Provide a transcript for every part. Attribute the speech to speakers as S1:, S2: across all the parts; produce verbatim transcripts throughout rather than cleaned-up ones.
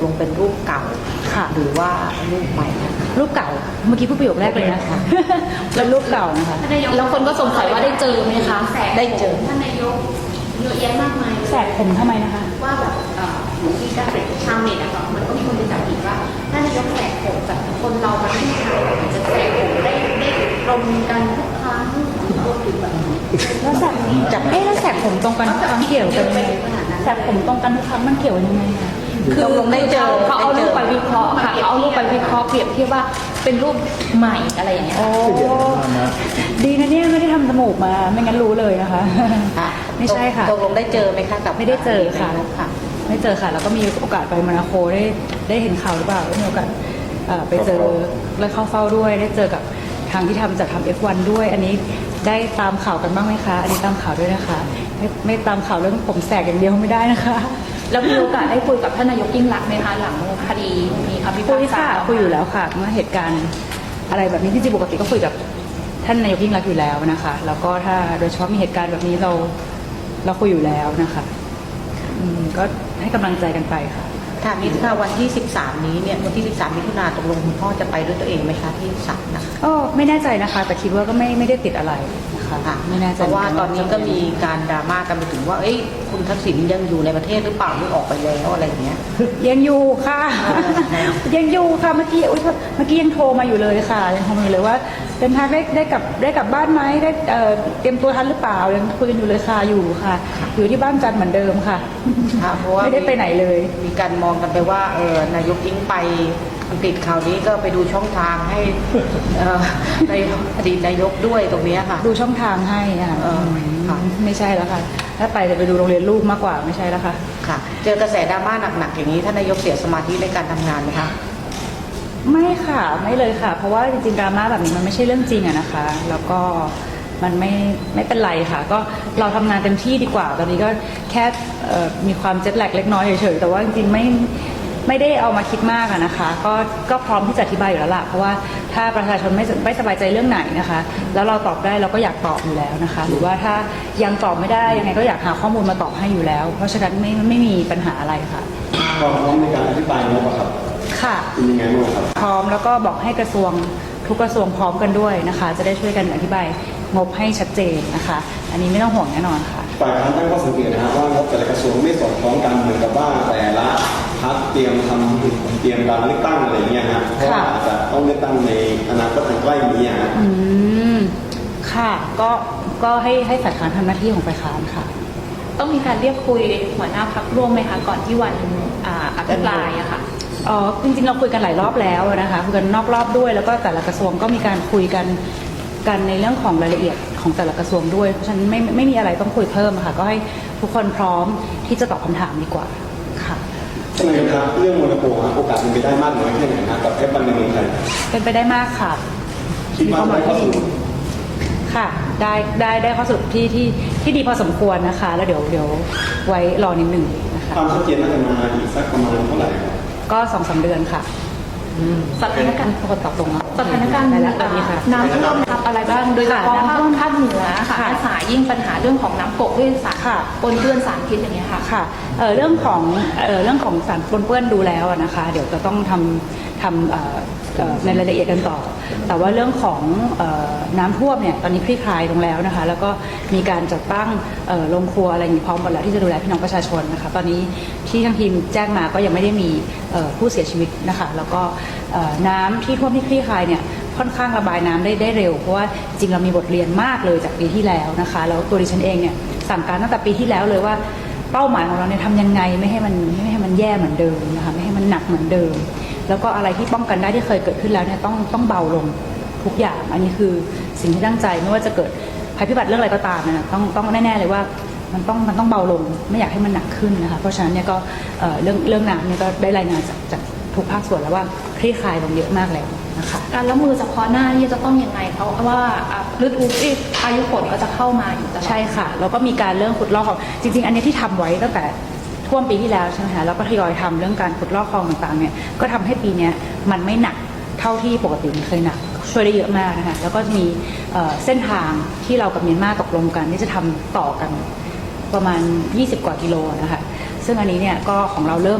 S1: ลงเป็นรูปเก่าค่ะหรือว่ารูปใหม่
S2: รูปเก่าเมื่อกี้พูดประโยคแรกเลยนะคะแล้วรูปเก่านะคะ
S3: แล้วคนก็สงสัยว่าได้เจอไหมคะ
S1: ได้เจอ
S3: ท่านนายกเยอะแยะมากมาย
S2: แสกผมทำไมนะคะ
S3: ว่าแบบเหมือนที่การเป็นชาวเน็ตอะค่ะเหมือนก็มีคนไปจับผิดว่าท่านนายกแสกผมแบบคนเรามันไม่ใช่มันจะแสกผมได้ได้ตรงกันทุกครั้งรวมถึงแบบ
S2: แล้วแสกจับเอ๊ะแล้วแสกผมตรงกันทุกครั้งเกี่ยวกันยังไงแสกผมตรงกันทุกครั้งมันเกี่ยวยังไงคะ
S3: คือลงได้เจอเขาเอารูปไปวิเคราะห์ค่ะเอารูปไปวิเคราะห์เปรียบเทียบว่าเป็นรูปใหม่อะไรอย่างเงี้ย
S2: โอ้ดีนะเนี่ยไม่ได้ทำจมูกมาไม่งั้นรู้เลยนะคะไม่ใช่ค่ะ
S1: ตกลงได้เจอไหมคะกับ
S2: ไม่ได้เจอค่ะไม่เจอค่ะแล้วก็มีโอกาสไปโมนาโคได้ได้เห็นข่าวหรือเปล่ามีโอกาสไปเจอและเข้าเฝ้าด้วยได้เจอกับทางที่ทำจัดทำ เอฟ วัน ด้วยอันนี้ได้ตามข่าวกันบ้างไหมคะอันนี้ตามข่าวด้วยนะคะไม่ไม่ตามข่าวเรื่องผมแสกอย่างเดียวไม่ได้นะคะ
S3: แล้วมีโอกาสได้คุยกับท่านนายกยิ่งรักษณ์ไหมคะหลังคดีมีคำพิพากษา
S2: คุยอยู่แล้วค่ะเมื่อเหตุการณ์อะไรแบบนี้ที่จริงปกติก็คุยกับท่านนายกยิ่งรักษณ์อยู่แล้วนะคะแล้วก็ถ้าโดยเฉพาะมีเหตุการณ์แบบนี้เราเราคุยอยู่แล้วนะคะอืมก็ให้กำลังใจกันไปค่ะ
S1: ถามนิดค่ะวันที่สิบสามนี้เนี่ยวันที่สิบสามมิถุนายนตกลงคุณพ่อจะไปด้วยตัวเองไหมคะที่ศาลนะคะ
S2: ก็ไม่แน่ใจนะคะแต่คิดว่าก็ไม่ไม่ได้ติดอะไรนะคะไม่แน่ใจ
S1: เพราะว่าตอนนี้ก็มีการดราม่ากันไปถึงว่าเอ้ยคุณทักษิณยังอยู่ในประเทศหรือเปล่าหรือออกไปแล้วอะไรอย่างเงี้ย
S2: ยังอยู่ค่ะยังอยู่ค่ะเมื่อกี้เมื่อกี้ยังโทรมาอยู่เลยค่ะยังโทรมาอยู่เลยว่าเดินทางได้ได้กลับได้กลับบ้านไหมได้เอ่อเตรียมตัวทันหรือเปล่ายังคุยกันอยู่เลยค่ะอยู่ค่ะอยู่ที่บ้านจันเหมือนเดิมค่ะ
S1: เพราะว่า
S2: ไม่ได้ไปไหนเลย
S1: มีการมองกันไปว่าเออนายกอิงไปอังกฤษข่าวนี้ก็ไปดูช่องทางให้ในอดีตนายกด้วยตรงนี้ค่ะ
S2: ดูช่องทางให้ค่ะไม่ใช่แล้วค่ะถ้าไปจะไปดูโรงเรียนลูกมากกว่าไม่ใช่แล้วค่ะ
S1: ค่ะเจอกระแสดราม่าหนักๆอย่างนี้ท่านนายกเสียสมาธิในการทำงานไหมคะ
S2: ไม่ค่ะไม่เลยค่ะเพราะว่าจริงๆดราม่าแบบนี้มันไม่ใช่เรื่องจริงอะนะคะแล้วก็มันไม่ไม่เป็นไรค่ะก็เราทำงานเต็มที่ดีกว่าตอนนี้ก็แค่มีความเจ็ตแลกเล็กน้อยเฉยๆแต่ว่าจริงๆไม่ไม่ได้เอามาคิดมากอะนะคะก็ก็พร้อมที่จะอธิบายอยู่แล้วล่ะเพราะว่าถ้าประชาชนไม่ไม่สบายใจเรื่องไหนนะคะแล้วเราตอบได้เราก็อยากตอบอยู่แล้วนะคะหรือว่าถ้ายังตอบไม่ได้ยังไงก็อยากหาข้อมูลมาตอบให้อยู่แล้วเพราะฉะนั้นไม่ไม่มีปัญหาอะไรค่ะ
S4: พร้อมในการอธิบายงบครับ
S2: ค่ะ
S4: เป็นยังไงบ้างครับ
S2: พร้อมแล้วก็บอกให้กระทรวงทุกกระทรวงพร้อมกันด้วยนะคะจะได้ช่วยกันอธิบายงบให้ชัดเจนนะคะอันนี้ไม่ต้องห่วงแน่นอนค่ะ
S4: ฝ่ายค้านตั้งข้อสังเกตนะฮะว่างบแต่ละกระทรวงไม่สอดคล้องกันเหมือนกับว่าแต่ละพรรคเตรียมทำเตรียมการเลือกตั้งอะไรเงี้ยฮะเพราะว่าอาจจะต้องเลือกตั้งในอนาคตอันใกล้นี้ฮะ
S2: อืมค่ะก็ก็ให้ให้ฝ่ายค้านทำหน้าที่ของฝ่ายค้านค่ะ
S3: ต้องมีการเรียกคุยหัวหน้าพรรคร่วมไหมคะก่อนที่วันอ่าอภิปรายอะค่ะ
S2: อ๋อจริงๆเราคุยกันหลายรอบแล้วนะคะคุยกันนอกรอบด้วยแล้วก็แต่ละกระทรวงก็มีการคุยกันกันในเรื่องของรายละเอียดของแต่ละกระทรวงด้วยเพราะฉะนั้นไม่ไม่มีอะไรต้องคุยเพิ่มค่ะก็ให้ทุกคนพร้อมที่จะตอบคำถามดีกว่าค่ะ
S4: ใช่ไหมครับเรื่องโมนาโกโอกาสเป็นไปได้มากน้อยแค่ไหนนะกับเอฟวันในเมืองไทย
S2: เป็นไปได้มากค่ะ
S4: คิดว่าได้ข้อสรุป
S2: ค่ะได้ได้ได้ข้อสรุปที่ที่ที่ดีพอสมควรนะคะแล้วเดี๋ยวเดี๋ยวไว้รอนิดหนึ่งนะคะ
S4: ความชัดเจนน่าจะมาอีกสักประมาณเท่าไหร่
S2: ก็สองสามเดือนค่ะ
S3: สถานการณ์
S2: คนตอบตรงนะ
S3: สถานการณ์
S2: อะไรแล้วแบบนี้ค่ะ
S3: น้ำท่วมทับอะไรบ้างโดยเฉพาะภาคภาคเหนือค่ะสายยิ่งปัญหาเรื่องของน้ำกกด้วยสารปนเปื้อนสารพิษอย่างเงี้ยค่ะ
S2: ค่ะเอ่อเรื่องของเอ่อเรื่องของสารปนเปื้อนดูแล้วนะคะเดี๋ยวจะต้องทำทำเอ่อในรายละเอียดกันต่อแต่ว่าเรื่องของน้ำท่วมเนี่ยตอนนี้คลี่คลายลงแล้วนะคะแล้วก็มีการจัดตั้งโรงครัวอะไรอย่างนี้พร้อมหมดแล้วที่จะดูแลพี่น้องประชาชนนะคะตอนนี้ที่ทางทีมแจ้งมาก็ยังไม่ได้มีผู้เสียชีวิตนะคะแล้วก็น้ำที่ท่วมที่คลี่คลายเนี่ยค่อนข้างระบายน้ำได้ได้เร็วเพราะว่าจริงเรามีบทเรียนมากเลยจากปีที่แล้วนะคะแล้วตัวดิฉันเองเนี่ยสั่งการตั้งแต่ปีที่แล้วเลยว่าเป้าหมายของเราเนี่ยทำยังไงไม่ให้มันไม่ให้มันแย่เหมือนเดิมนะคะไม่ให้มันหนักเหมือนเดิมแล้วก็อะไรที่ป้องกันได้ที่เคยเกิดขึ้นแล้วเนี่ยต้องต้องเบาลงทุกอย่างอันนี้คือสิ่งที่ตั้งใจไม่ว่าจะเกิดภัยพิบัติเรื่องอะไรก็ตามนะต้องต้องแน่ๆเลยว่ามันต้องมันต้องเบาลงไม่อยากให้มันหนักขึ้นนะคะเพราะฉะนั้นเนี่ยก็เรื่องเรื่องน้ำเนี่ยก็ได้รายงานจากจากทุกภาคส่วนแล้วว่าคลี่คลายลงเยอะมากแล้วนะคะ
S3: การรับมือเฉพาะหน้านี่จะต้องยังไงเพราะว่าฤดูพายุฝนก็จะเข้ามาอยู่
S2: ใช่ค่ะแล้วก็มีการเรื่องขุดลอกของจริงๆอันนี้ที่ทำไว้ตั้งแต่ท่วมปีที่แล้วใช่ไหมคะแล้วก็ทยอยทำเรื่องการขุดลอกคลองต่างๆเนี่ยก็ทำให้ปีนี้มันไม่หนักเท่าที่ปกติมันเคยหนักช่วยได้เยอะมากนะคะแล้วก็มีเส้นทางที่เรากับเมียนมาตกลงกันที่จะทำต่อกันประมาณยี่สิบกว่ากิโลนะคะซึ่งอันนี้เนี่ยก็ของเราเริ่มแล้ว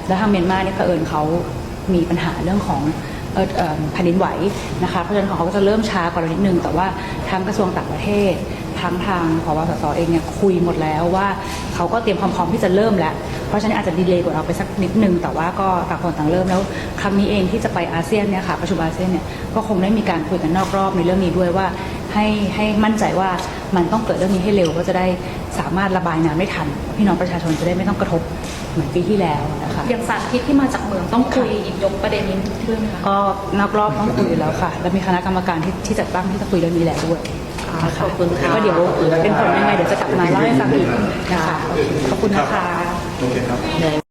S2: แล้วทางเมียนมาเนี่ยเผอิญเขามีปัญหาเรื่องของเอ่อเอ่อแผ่นดินไหวนะคะเพราะฉะนั้นของเขาก็จะเริ่มช้ากว่าเรานิดนึงแต่ว่าทางกระทรวงต่างประเทศทั้งทางผบสสเองเนี่ยคุยหมดแล้วว่าเขาก็เตรียมความพร้อมที่จะเริ่มแล้วเพราะฉะนั้นอาจจะดีเลย์กว่าเราไปสักนิดนึงแต่ว่าก็ต่างคนต่างเริ่มแล้วครั้งนี้เองที่จะไปอาเซียนเนี่ยค่ะประชุมอาเซียนเนี่ยก็คงได้มีการคุยกันนอกรอบในเรื่องนี้ด้วยว่าให้ให้มั่นใจว่ามันต้องเกิดเรื่องนี้ให้เร็วก็จะได้สามารถระบายน้ำได้ทันพี่น้องประชาชนจะได้ไม่ต้องกระทบเหมือนปีที่แล้วนะคะ
S5: อย่างสารพิษที่มาจากเมืองต้องคุยหยิบยกประเด็นนี้ด้วยไหมคะ
S2: ก็นอกรอบต้องคุยแล้วค่ะ แล้วมีคณะกรรมการที่ที่จัดตั้งที่จะคุยเรื่องนี้แล้วด้วย
S1: ขอบคุณค่ะ
S2: ก็เดี๋ยวเป็นผลยังไงเดี๋ยวจะกลับมาเล่าให้ฟังอีกนะคะ ขอบคุณนะคะ
S6: โอเคครับ